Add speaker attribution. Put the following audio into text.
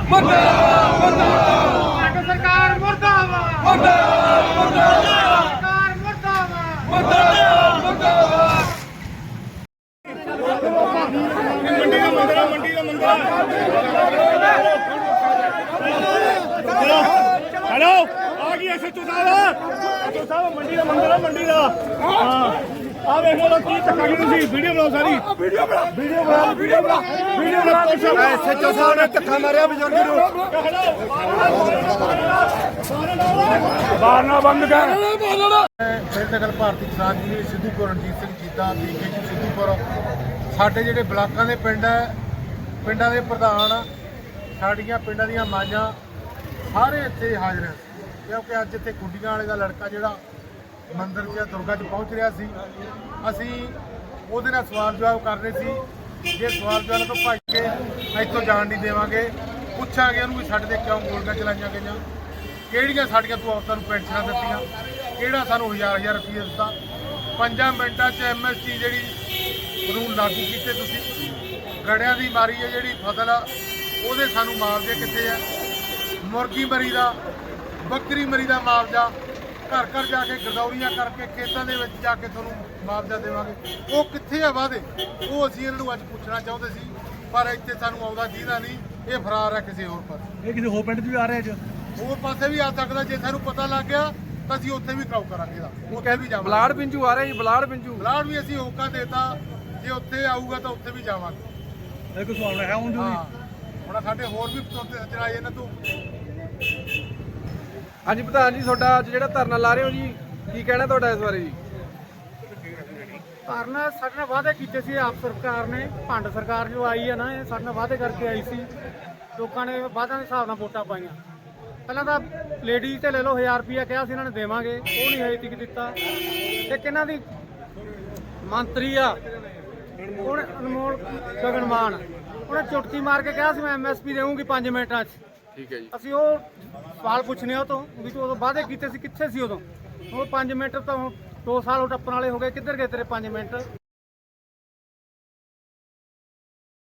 Speaker 1: ਮੁਰਦਾਬਾਦ ਸਰਕਾਰ ਮੁਰਦਾਬਾਦ ਸਰਕਾਰ ਮੁਰਦਾਬਾਦ
Speaker 2: ਮੰਡੀ ਦਾ हेलो आ गई एसएचओ साहब मंडी का मंदिर है मंडी का हाँ आ देखो लोग की धक्का की तुसी वीडियो बनाओ सारी वीडियो बना
Speaker 3: एसएचओ साहब ने धक्का मारिया बजुर्ग नूं
Speaker 2: मारना बंद कर
Speaker 3: नगल भारती किसान जी सिद्धूपुर रणजीत सिंह जीता पीके जी सिद्धूपुर ਸਾਡੇ ਜਿਹੜੇ ਬਲਾਕਾਂ ਦੇ ਪਿੰਡ ਹੈ ਪਿੰਡਾਂ ਦੇ ਪ੍ਰਧਾਨ ਸਾਡੀਆਂ ਪਿੰਡਾਂ ਦੀਆਂ ਮਾਈਆਂ ਸਾਰੇ ਇੱਥੇ ਹਾਜ਼ਰ ਹਨ ਕਿਉਂਕਿ ਅੱਜ ਇੱਥੇ ਕੁੰਡੀਆਂ ਵਾਲੇ ਦਾ ਲੜਕਾ ਜਿਹੜਾ ਮੰਦਿਰ 'ਚ ਦੁਰਗਾ 'ਚ ਪਹੁੰਚ ਰਿਹਾ ਸੀ ਅਸੀਂ ਉਹਦੇ ਨਾਲ ਸਵਾਲ ਜਵਾਬ ਕਰਨੇ ਸੀ ਜੇ ਸਵਾਲ ਜਵਾਬ ਤੋਂ ਭੱਜ ਕੇ ਇੱਥੋਂ ਜਾਣ ਨਹੀਂ ਦੇਵਾਂਗੇ ਪੁੱਛਾਂਗੇ ਉਹਨੂੰ ਵੀ ਸਾਡੇ ਤੇ ਕਿਉਂ ਗੋਲੀਆਂ ਚਲਾਈਆਂ ਗਈਆਂ ਕਿਹੜੀਆਂ ਸਾਡੀਆਂ ਤੂੰ ਔਰਤਾਂ ਨੂੰ ਪੈਨਸ਼ਨਾਂ ਦਿੱਤੀਆਂ ਕਿਹੜਾ ਸਾਨੂੰ ਹਜ਼ਾਰ ਰੁਪਏ ਦਿੱਤਾ 5 ਮਿੰਟਾਂ 'ਚ ਐਮਐਸਟੀ ਜਿਹੜੀ ਕਾਨੂੰਨ ਲਾਗੂ ਕੀਤੇ ਤੁਸੀਂ ਗੜਿਆਂ ਦੀ ਮਾਰੀ ਹੈ ਜਿਹੜੀ ਫਸਲ ਆ ਉਹਦੇ ਸਾਨੂੰ ਮੁਆਵਜ਼ੇ ਕਿੱਥੇ ਆ ਮੁਰਗੀ ਮਰੀ ਦਾ ਬੱਕਰੀ ਮਰੀ ਦਾ ਮੁਆਵਜ਼ਾ ਘਰ ਘਰ ਜਾ ਕੇ ਗਰਦੌਰੀਆਂ ਕਰਕੇ ਖੇਤਾਂ ਦੇ ਵਿੱਚ ਜਾ ਕੇ ਤੁਹਾਨੂੰ ਮੁਆਵਜ਼ਾ ਦੇਵਾਂਗੇ ਉਹ ਕਿੱਥੇ ਆ ਵਾਅਦੇ ਉਹ ਅਸੀਂ ਇਹਨਾਂ ਨੂੰ ਅੱਜ ਪੁੱਛਣਾ ਚਾਹੁੰਦੇ ਸੀ ਪਰ ਇੱਥੇ ਸਾਨੂੰ ਆਉਂਦਾ ਜਿਹਦਾ ਨਹੀਂ ਇਹ ਫਰਾਰ ਹੈ ਕਿਸੇ ਹੋਰ ਪਾਸੇ
Speaker 2: ਇਹ ਕਿਸੇ ਹੋਰ ਪਿੰਡ 'ਚ ਵੀ ਆ ਰਿਹਾ ਅੱਜ
Speaker 3: ਹੋਰ ਪਾਸੇ ਵੀ ਆ ਸਕਦਾ ਜੇ ਸਾਨੂੰ ਪਤਾ ਲੱਗ ਗਿਆ ਤਾਂ ਅਸੀਂ ਉੱਥੇ ਵੀ ਕਰਾਉ ਕਰਾਂਗੇ ਦਾ ਉੱਥੇ ਵੀ ਜਾਵਾਂਗੇ
Speaker 4: ਬਲਾੜ ਪਿੰਜੂ ਆ ਰਿਹਾ ਜੀ ਬਲਾੜ
Speaker 3: ਵੀ ਅਸੀਂ ਹੋਕਾ ਦੇਤਾ ਜੇ ਉੱਥੇ ਆਊਗਾ ਤਾਂ ਉੱਥੇ ਵੀ ਜਾਵਾਂਗੇ
Speaker 2: ਇਹ ਕੋਈ ਸਵਾਲ ਹੈ ਹੁਣ
Speaker 3: ਹਾਂ ਹੁਣ ਸਾਡੇ ਹੋਰ ਵੀ ਚਲਾਏ ਇਹਨਾਂ ਤੋਂ
Speaker 4: ਹਾਂਜੀ ਪ੍ਰਧਾਨ ਜੀ ਤੁਹਾਡਾ ਅੱਜ ਜਿਹੜਾ ਧਰਨਾ ਲਾ ਰਹੇ ਹੋ ਜੀ ਕੀ ਕਹਿਣਾ ਤੁਹਾਡਾ ਇਸ ਬਾਰੇ ਜੀ
Speaker 1: ਧਰਨਾ ਸਾਡੇ ਨਾਲ ਵਾਅਦੇ ਕੀਤੇ ਸੀ ਆਪ ਸਰਕਾਰ ਨੇ ਭੰਡ ਸਰਕਾਰ ਜੋ ਆਈ ਹੈ ਨਾ ਇਹ ਸਾਡੇ ਨਾਲ ਵਾਅਦੇ ਕਰਕੇ ਆਈ ਸੀ ਲੋਕਾਂ ਨੇ ਵਾਅਦਿਆਂ ਦੇ ਹਿਸਾਬ ਨਾਲ ਵੋਟਾਂ ਪਾਈਆਂ ਪਹਿਲਾਂ ਤਾਂ ਲੇਡੀਜ਼ ਤੇ ਲੈ ਲਓ 1000 ਰੁਪਇਆ ਕਿਹਾ ਸੀ ਇਹਨਾਂ ਨੇ ਦੇਵਾਂਗੇ ਉਹ ਨਹੀਂ ਹਜੇ ਤੱਕ ਦਿੱਤਾ ਇੱਕ ਇਹਨਾਂ ਦੀ ਮੰਤਰੀ ਆ ਉਹਨੇ ਅਨਮੋਲ ਗਗਨ ਮਾਨ ਉਹਨੇ ਚੁਟਕੀ ਮਾਰ ਕੇ ਕਿਹਾ ਸੀ ਮੈਂ ਐਮਐਸਪੀ ਦੇਵਾਂਗੀ 5 ਮਿੰਟਾਂ 'ਚ
Speaker 4: ਠੀਕ ਹੈ ਜੀ
Speaker 1: ਅਸੀਂ ਉਹ ਸਵਾਲ ਪੁੱਛਨੇ ਉਹ ਤੋਂ ਵੀ ਤੂੰ ਉਦੋਂ ਵਾਅਦੇ ਕੀਤੇ ਸੀ ਕਿੱਥੇ ਸੀ ਉਦੋਂ ਉਹ 5 ਮਿੰਟ ਤਾਂ 2 ਸਾਲ ਉਹ ਟੱਪਣ ਵਾਲੇ ਹੋ ਗਏ ਕਿੱਧਰ ਗਏ ਤੇਰੇ 5 ਮਿੰਟ